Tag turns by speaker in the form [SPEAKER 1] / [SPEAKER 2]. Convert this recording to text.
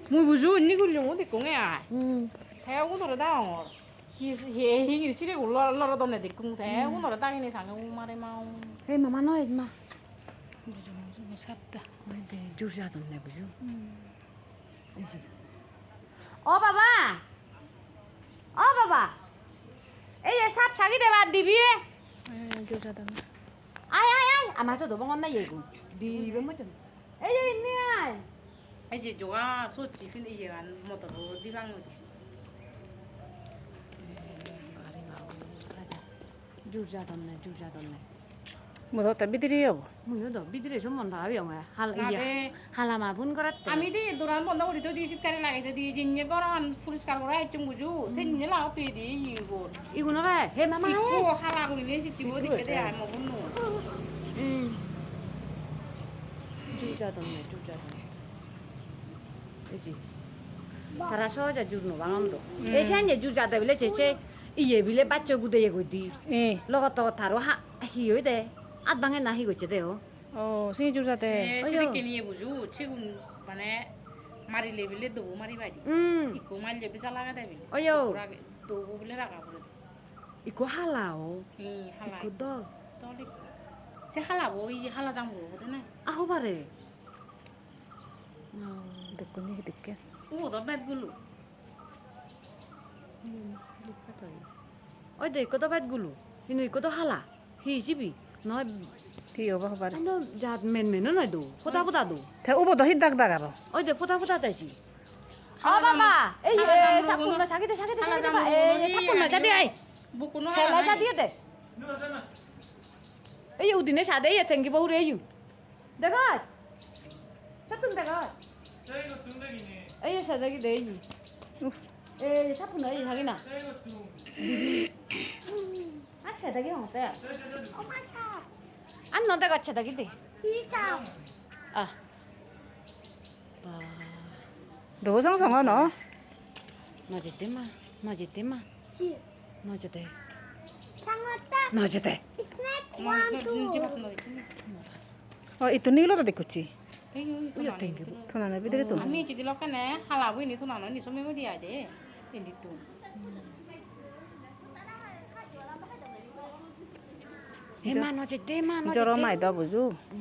[SPEAKER 1] Mùi bùi rùi ní cái lồng thì cũng nghe theo cũng rồi đau hi hi chỉ để cũng lo đông này thì cũng theo cũng rồi đau này sang cũng mà đây mau
[SPEAKER 2] Hey, mama nói mà.
[SPEAKER 1] nó sắp ta
[SPEAKER 2] Ôi, để chú ra tụi này bữa chú. Cái gì?
[SPEAKER 3] 어 봐봐. 어 봐봐. 에이 삽 자기 대봐 디비에.
[SPEAKER 1] chú ra đâu
[SPEAKER 3] 아이 아이 아이. 아 맞아 너 방금 나 얘고. 디비 뭐 좀. 에이 있네.
[SPEAKER 1] ai chỉ chú à số chỉ phim đi ăn một tờ đi băng rồi
[SPEAKER 2] 말이 나오고 가자. 주자 돈 내.
[SPEAKER 1] một tờ tập biết đi không
[SPEAKER 2] 뭐야 너 미들이 전문 다 위험해. 할
[SPEAKER 1] 나
[SPEAKER 2] 이게
[SPEAKER 1] 돼
[SPEAKER 2] 할라마 분 거랬대.
[SPEAKER 1] আমি দি দোরান বন্ধ করি তো দি শীতকালে লাগাইতে দি জিনিয়ে গরম পরিষ্কার করা একটু বুঝু সে নিয়ে লাও তুই দি ইগো
[SPEAKER 2] 이거는 해 마마
[SPEAKER 1] ইকো
[SPEAKER 2] 해.
[SPEAKER 1] হালা করি নে সিটি বদি কেটে আই মো বন্নু
[SPEAKER 2] 응. 주자 돈 내. 그지? 달아서 자 주는 왕엄도. 에센제 주자 되빌래 제제 이예 빌래 빠져 구대 예고디.
[SPEAKER 1] 예
[SPEAKER 2] 러가또 다로 하 히요데. 아방에 나 히고 있대요.
[SPEAKER 1] 생일 주자 때
[SPEAKER 2] 어여.
[SPEAKER 1] 시리케 니에 부주 지금 만에 마리 레빌레 도 마리 바디
[SPEAKER 2] 응.
[SPEAKER 1] 이코 말레 비자 라가 되비
[SPEAKER 2] 어여.
[SPEAKER 1] 도 부빌레 라가 부르
[SPEAKER 2] 이거 할라오.
[SPEAKER 1] 이 할라
[SPEAKER 2] 이거 너
[SPEAKER 1] 떨리 제 할라 뭐 이제 할라 장 모르거든
[SPEAKER 2] 아호 바래.
[SPEAKER 1] 듣고 니 듣게 오더 뱃불루
[SPEAKER 2] 어디 이거도 밭굴루. 이노 이거도 할라. 히지비. 너
[SPEAKER 1] 뒤에 봐 봐.
[SPEAKER 2] 너 자 맨맨은 어디도. 보다보다도.
[SPEAKER 1] 대 오버도 힌닥다가로.
[SPEAKER 2] 어디 보다보다 되지.
[SPEAKER 3] 어 봐봐. 에이
[SPEAKER 1] 하나
[SPEAKER 3] 삽
[SPEAKER 1] 장모는-
[SPEAKER 3] 분나 자기 대
[SPEAKER 1] 하나
[SPEAKER 3] 봐.
[SPEAKER 1] 장모는
[SPEAKER 3] 에이
[SPEAKER 1] 이
[SPEAKER 3] 삽 분나 자디 아이.
[SPEAKER 1] 부꾸노
[SPEAKER 3] 셀라 자디 돼. 에이 우디네 사대 예 땡기 보우래유. 내가 삽분 내가.
[SPEAKER 4] 저희가 등백이네.
[SPEAKER 3] 에이 사자기 내이. 에이 삽 분나 에이 자기나.
[SPEAKER 4] 저희가 등.
[SPEAKER 3] 아 사자기 어때?
[SPEAKER 4] 엄마 샤.
[SPEAKER 3] 안 너다가 사자기 돼.
[SPEAKER 4] 이샤.
[SPEAKER 3] 아.
[SPEAKER 1] 너 상상하 너?
[SPEAKER 2] 너지대마. 너지대마. 너지대.
[SPEAKER 4] 장어다.
[SPEAKER 2] 너지대.
[SPEAKER 4] 스낵
[SPEAKER 1] 원
[SPEAKER 4] 원투.
[SPEAKER 1] itu nih lo tadi kuci.
[SPEAKER 2] Iya tinggi bu.
[SPEAKER 1] Tunana bidre tu. Ami jadi lo kan ya halabu ini tunana ini semua dia aja. Ini tuh.
[SPEAKER 2] 해마 너지대마.
[SPEAKER 1] Joro mai dah buju.